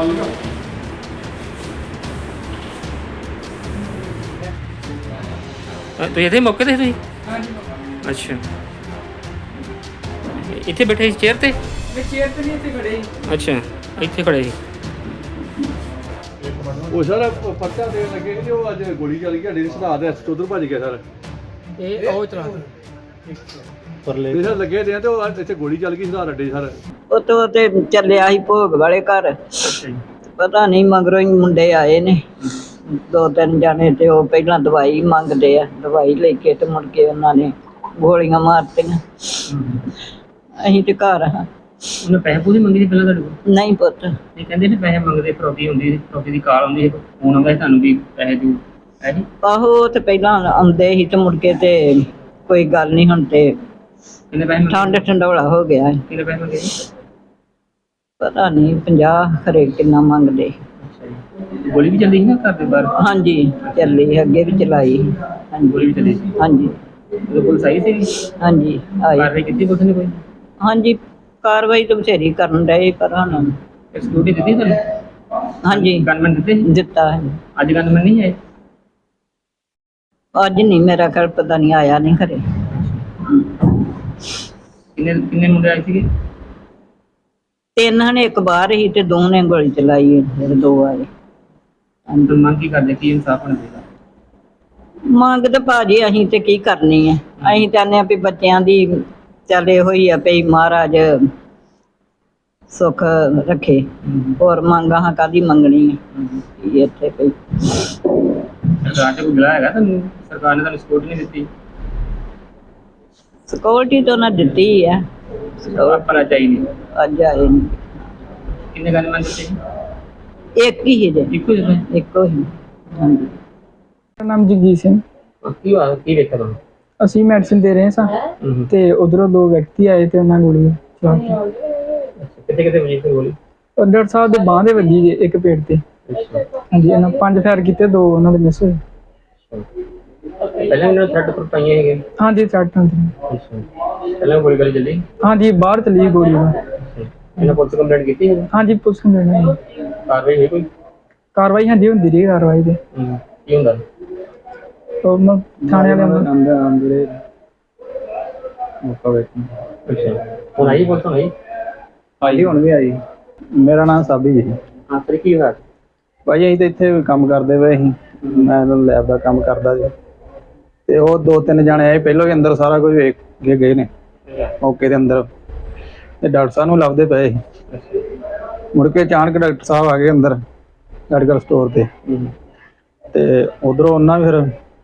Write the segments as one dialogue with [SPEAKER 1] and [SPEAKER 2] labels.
[SPEAKER 1] ਤੁਸੀਂ ਇੱਥੇ ਮੌਕੇ ਤੇ ਤੁਸੀਂ? ਅੱਛਾ, ਇੱਥੇ ਬੈਠੇ ਸੀ ਚੇਅਰ ਤੇ?
[SPEAKER 2] ਚੇਅਰ ਤੇ ਨਹੀਂ, ਇੱਥੇ ਖੜੇ ਸੀ।
[SPEAKER 1] ਅੱਛਾ, ਇੱਥੇ ਖੜੇ ਸੀ।
[SPEAKER 3] ਉਹ ਸਰ ਪਰਚਾ ਦੇਣ ਲੱਗੇ ਕਿ ਉਹ ਅੱਜ ਗੋਲੀ ਚੱਲ ਗਈ, ਸਾਡੇ ਸੁਧਾਰ ਦੇ ਹੱਥ ਉਧਰ ਭੱਜ ਗਿਆ ਸਰ।
[SPEAKER 2] ਇਹ ਉਹ ਚਲਾ
[SPEAKER 3] ਪਰਲੇ ਸਰ ਲੱਗੇ ਦੇ ਤੇ ਉਹ ਇੱਥੇ ਗੋਲੀ ਚੱਲ ਗਈ ਸੁਧਾਰ ਅੱਡੇ ਸਰ।
[SPEAKER 4] ਉਤੋਂ ਤੇ ਚੱਲਿਆ ਸੀ ਭੋਗ ਵਾਲੇ ਘਰ, ਪਤਾ ਨਹੀਂ ਮਗਰੋਂ ਹੀ ਮੁੰਡੇ ਆਏ ਨੇ 2-3 ਜਾਣੇ, ਤੇ ਉਹ ਪਹਿਲਾਂ ਦਵਾਈ ਮੰਗਦੇ ਆ, ਦਵਾਈ ਲੈ ਕੇ ਤੇ ਮੁੜ ਕੇ ਉਹਨਾਂ ਨੇ ਗੋਲੀਆਂ ਮਾਰਤੀਆਂ। ਅਸੀਂ ਤੇ ਘਰ ਹਾਂ।
[SPEAKER 1] ਉਹਨੇ ਪੈਸੇ ਪੂਸੇ ਮੰਗੇ ਸੀ ਪਹਿਲਾਂ ਤੁਹਾਡੇ ਕੋਲ?
[SPEAKER 4] ਨਹੀਂ ਪੁੱਤ,
[SPEAKER 1] ਇਹ ਕਹਿੰਦੇ ਨੇ ਪੈਸੇ ਮੰਗਦੇ, ਫਰੋਤੀ ਹੁੰਦੀ ਸੀ, ਫਰੋਤੀ ਦੀ ਕਾਲ ਆਉਂਦੀ ਸੀ, ਫੋਨ ਆਉਂਦਾ ਸੀ ਤੁਹਾਨੂੰ ਵੀ ਪੈਸੇ ਦਿਓ, ਹੈ ਜੀ?
[SPEAKER 4] ਆਹੋ ਉਹ ਤੇ ਪਹਿਲਾਂ ਆਉਂਦੇ ਸੀ ਤੇ ਮੁੜ ਕੇ ਤੇ ਕੋਈ ਗੱਲ ਨਹੀਂ, ਹੁਣ ਤੇ
[SPEAKER 1] ਕਿੰਨੇ ਪੈਸੇ ਮੰਗੇ?
[SPEAKER 4] ਠੰਡ ਠੰਡੋਲਾ ਹੋ ਗਿਆ।
[SPEAKER 1] ਕਿੰਨੇ ਪੈਸੇ ਮੰਗੇ ਜੀ?
[SPEAKER 4] ਪਤਾ ਨਹੀਂ 50 ਖਰੇ ਕਿੰਨਾ ਮੰਗਦੇ।
[SPEAKER 1] ਅੱਛਾ ਜੀ। ਗੋਲੀ ਵੀ ਚੱਲੀ ਸੀ ਨਾ ਘਰ ਦੇ ਬਾਹਰ?
[SPEAKER 4] ਹਾਂਜੀ ਚੱਲੀ, ਅੱਗੇ ਵੀ ਚਲਾਈ। ਹਾਂਜੀ
[SPEAKER 1] ਗੋਲੀ ਵੀ ਚੱਲੀ ਸੀ?
[SPEAKER 4] ਹਾਂਜੀ
[SPEAKER 1] ਉਹ ਪੁਲਿਸ ਆਈ ਸੀ?
[SPEAKER 4] ਹਾਂਜੀ ਆਈ।
[SPEAKER 1] ਕਾਰਵਾਈ ਕੀਤੀ ਪੁਲਿਸ ਨੇ ਕੋਈ?
[SPEAKER 4] ਹਾਂਜੀ ਕਾਰਵਾਈ ਤਾਂ ਬਥੇਰੀ ਕਰਨ ਡਏ, ਪਰ ਹੁਣ
[SPEAKER 1] ਸਿਕਿਉਰਿਟੀ ਦਿੱਤੀ ਤੁਹਾਨੂੰ?
[SPEAKER 4] ਹਾਂਜੀ
[SPEAKER 1] ਗਨਮੈਨ ਦਿੱਤੇ?
[SPEAKER 4] ਦਿੱਤਾ ਹੈ।
[SPEAKER 1] ਅੱਜ ਗਨਮੈਨ ਨਹੀਂ ਆਏ?
[SPEAKER 4] ਅੱਜ ਨਹੀਂ, ਮੇਰਾ ਖਿਆਲ ਪਤਾ ਨਹੀਂ, ਆਇਆ ਨਹੀਂ ਘਰੇ।
[SPEAKER 1] ਕਿੰਨੇ ਮੁੰਡੇ ਆਏ ਸੀਗੇ?
[SPEAKER 4] 3 ਨੇ, ਇੱਕ ਬਾਹਰ ਹੀ ਤੇ 2 ਨੇ ਗੋਲੀ ਚਲਾਈ, ਫਿਰ 2 ਆਏ।
[SPEAKER 1] ਅੰਦਰ ਮੰਗ ਕੀ ਕਰਦੇ, ਕੀ ਇਨਸਾਫ ਹੋਣਾ ਚਾਹੀਦਾ?
[SPEAKER 4] ਮੰਗ ਤਾਂ ਭਾਜੀ ਅਸੀਂ ਤੇ ਕੀ ਕਰਨੀ ਹੈ, ਅਸੀਂ ਚਾਹੁੰਦੇ ਹਾਂ ਵੀ ਬੱਚਿਆਂ ਦੀ ਚੱਲ ਇਹੋ ਹੀ ਆ ਵੀ ਮਹਾਰਾਜ ਸੁੱਖ ਰੱਖੇ, ਹੋਰ ਮੰਗ ਆਹ ਕਾਹਦੀ ਮੰਗਣੀ ਹੈ ਇੱਥੇ ਪਈ।
[SPEAKER 1] ਸਰਕਾਰ ਤੇ ਕੋਈ ਗਿਲਾ ਹੈਗਾ ਤੁਹਾਨੂੰ? ਸਰਕਾਰ ਨੇ ਤੁਹਾਨੂੰ ਸਪੋਰਟ ਨਹੀਂ ਦਿੱਤੀ?
[SPEAKER 4] ਸਿਕਿਉਰਿਟੀ ਤਾਂ ਉਹਨਾਂ ਦਿੱਤੀ ਹੈ,
[SPEAKER 1] ਪਰ ਚਾਹੀਦੀ।
[SPEAKER 4] ਅੱਜ ਆਏ ਨਹੀਂ।
[SPEAKER 1] ਕਿੰਨੇ ਗਨਮੈਨ ਦਿੱਤੇ?
[SPEAKER 4] ਇੱਕ ਹੀ ਜੇ,
[SPEAKER 1] ਇੱਕੋ ਜਿਹੇ?
[SPEAKER 4] ਇੱਕੋ ਹੀ। ਹਾਂਜੀ।
[SPEAKER 2] ਮੇਰਾ ਨਾਮ ਜਗਜੀਤ ਸਿੰਘ।
[SPEAKER 1] ਕੀ ਹੋਇਆ, ਕੀ ਵੇਖਿਆ ਤੁਹਾਨੂੰ?
[SPEAKER 2] ਅਸੀਂ ਮੈਡੀਸਿਨ ਦੇ ਰਹੇ ਸਾਂ ਤੇ ਉਧਰੋਂ 2 ਵਿਅਕਤੀ ਆਏ ਤੇ ਉਹਨਾਂ ਗੋਲੀ ਚਲਾਤੀ।
[SPEAKER 1] ਕਿੱਥੇ ਕਿੱਥੇ ਵਜੀ ਗੋਲੀ?
[SPEAKER 2] ਉਹ ਡਾਕਟਰ ਸਾਹਿਬ ਦੇ ਬਾਂਹ ਦੇ ਵੱਜੀ ਜੇ, ਇੱਕ ਪੇਟ ਤੇ। ਹਾਂਜੀ, ਇਹਨਾਂ 5 ਫਾਇਰ ਕੀਤੇ, 2 ਉਹਨਾਂ ਦੇ ਮਿਸ ਹੋਏ।
[SPEAKER 1] ਪਹਿਲਾਂ ਇਹਨਾਂ ਥਰਡ ਪਰ ਪਾਈਆਂ ਹੈਗੇ?
[SPEAKER 2] ਹਾਂਜੀ ਸੱਟ ਹੁੰਦੀ।
[SPEAKER 1] ਪਹਿਲਾਂ ਗੋਲੀ ਗਲੀ ਚੱਲੀ?
[SPEAKER 2] ਹਾਂਜੀ ਬਾਹਰ ਚਲੀ ਗੋਲੀ।
[SPEAKER 1] ਇਹਨਾਂ ਪੁਲਿਸ ਕੰਪਲੇਂਟ ਕੀਤੀ ਹੈ?
[SPEAKER 2] ਹਾਂਜੀ ਪੁਲਿਸ ਨੂੰ ਦੇਣਾ।
[SPEAKER 1] ਕਾਰਵਾਈ ਹੋਈ ਕੋਈ?
[SPEAKER 2] ਕਾਰਵਾਈ ਹਾਂਜੀ ਹੁੰਦੀ ਰਹੀ, ਕਾਰਵਾਈ ਤੇ
[SPEAKER 1] ਕੀ ਹੁੰਦਾ?
[SPEAKER 2] ਉਹ ਥਾਣੇ ਵਾਲੇ
[SPEAKER 3] ਅੰਦਰ ਮੌਕਾ ਵੇਖਣ।
[SPEAKER 1] ਅੱਛਾ, ਹੁਣ ਆਈ ਪੁਲਿਸ? ਹੁਣ ਆਈ?
[SPEAKER 3] ਆਈ ਹੁਣ ਵੀ ਆਈ। ਮੇਰਾ ਨਾਮ ਸਾਬੀ ਜੀ।
[SPEAKER 1] ਹਾਂ ਫਿਰ ਕੀ ਹੋਇਆ?
[SPEAKER 3] ਭਾਈ ਅਸੀਂ ਤਾਂ ਇੱਥੇ ਕੰਮ ਕਰਦੇ ਪਏ ਸੀ, ਮੈਂ ਲੈਬ ਦਾ ਕੰਮ ਕਰਦਾ ਜੀ, ਤੇ ਉਹ 2-3 ਜਾਣੇ ਆਏ, ਪਹਿਲਾਂ ਹੀ ਅੰਦਰ ਸਾਰਾ ਕੁਝ ਵੇਖ ਕੇ ਗਏ ਨੇ ਮੌਕੇ ਦੇ ਅੰਦਰ, ਤੇ ਡਾਕਟਰ ਸਾਹਿਬ ਨੂੰ ਲੱਭਦੇ ਪਏ ਸੀ। ਮੁੜ ਕੇ ਅਚਾਨਕ ਡਾਕਟਰ ਸਾਹਿਬ ਆ ਗਏ ਅੰਦਰ ਮੈਡੀਕਲ ਸਟੋਰ ਤੇ ਉਧਰੋਂ ਉਹਨਾਂ ਵੀ ਫਿਰ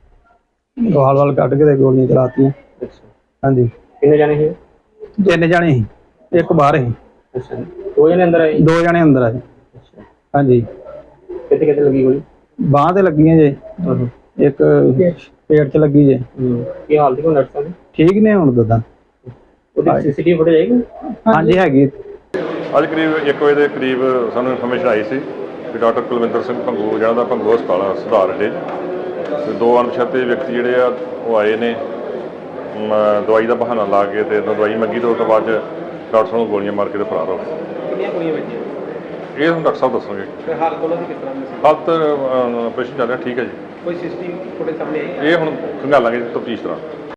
[SPEAKER 3] ਵਾਲ ਕੱਢ ਕੇ ਤੇ ਗੋਲੀਆਂ ਚਲਾਤੀਆਂ। ਹਾਂਜੀ।
[SPEAKER 1] ਕਿੰਨੇ ਜਾਣੇ ਸੀ?
[SPEAKER 3] 3 ਜਾਣੇ ਸੀ, ਇੱਕ ਬਾਹਰ ਸੀ।
[SPEAKER 1] ਅੱਛਾ, 2 ਜਣੇ ਅੰਦਰ ਆਏ?
[SPEAKER 3] 2 ਜਾਣੇ ਅੰਦਰ ਆਏ। ਹਾਂਜੀ।
[SPEAKER 1] ਕਿੱਥੇ ਕਿੱਥੇ ਲੱਗੀ ਗੋਲੀ?
[SPEAKER 3] ਬਾਂਹ ਤੇ ਲੱਗੀਆਂ ਜੇ, ਇੱਕ ਪੇਟ 'ਚ ਲੱਗੀ ਜੇ।
[SPEAKER 1] ਕੀ ਹਾਲ ਸੀ ਡਾਕਟਰ ਸਾਹਿਬ?
[SPEAKER 3] ਠੀਕ ਨੇ ਹੁਣ ਦਦਾ।
[SPEAKER 1] ਉਹਦੀ ਸੀਸੀਟੀਵੀ ਫੁਟੇਜ ਆਏਗੀ?
[SPEAKER 3] ਹਾਂਜੀ ਹੈਗੀ।
[SPEAKER 5] ਅੱਜ ਕਰੀਬ 1 ਵਜੇ ਦੇ ਕਰੀਬ ਸਾਨੂੰ ਇਨਫੋਰਮੇਸ਼ਨ ਆਈ ਸੀ ਕਿ ਡਾਕਟਰ ਕੁਲਵਿੰਦਰ ਸਿੰਘ ਭੰਗੂ ਜਿਹੜਾ ਦਾ ਭੰਗੂ ਹਸਪਤਾਲ ਸੁਧਾਰ ਅੱਡੇ 'ਚ, ਤੇ 2 ਅਣਪਛਾਤੇ ਵਿਅਕਤੀ ਜਿਹੜੇ ਆ ਉਹ ਆਏ ਨੇ ਦਵਾਈ ਦਾ ਬਹਾਨਾ ਲਾ ਕੇ, ਤੇ ਦਵਾਈ ਮੰਗੀ, ਤੋਂ ਬਾਅਦ ਡਾਕਟਰ ਸਾਹਿਬ ਨੂੰ ਗੋਲੀਆਂ ਮਾਰ ਕੇ ਤੇ ਫਰਾਰ ਹੋ ਗਏ।
[SPEAKER 2] ਕਿੰਨੀਆਂ ਗੋਲੀਆਂ ਵੱਜੀਆਂ?
[SPEAKER 5] ਇਹ ਹੁਣ ਡਾਕਟਰ ਸਾਹਿਬ ਦੱਸਣਗੇ।
[SPEAKER 2] ਤੇ ਹਾਲਤ ਉਹਨਾਂ ਦੀ ਕਿਸ ਤਰ੍ਹਾਂ ਦੀ ਸੀ?
[SPEAKER 5] ਹਾਲਤ ਆਪਰੇਸ਼ਨ ਚੱਲ ਰਿਹਾ, ਠੀਕ ਹੈ ਜੀ।
[SPEAKER 2] ਕੋਈ ਸੀਸੀਟੀਵੀ ਫੁਟੇਜ ਸਾਹਮਣੇ ਆਈ?
[SPEAKER 5] ਇਹ ਹੁਣ ਖੰਗਾਲਾਂਗੇ ਤਫਤੀਸ਼ ਤਰ੍ਹਾਂ।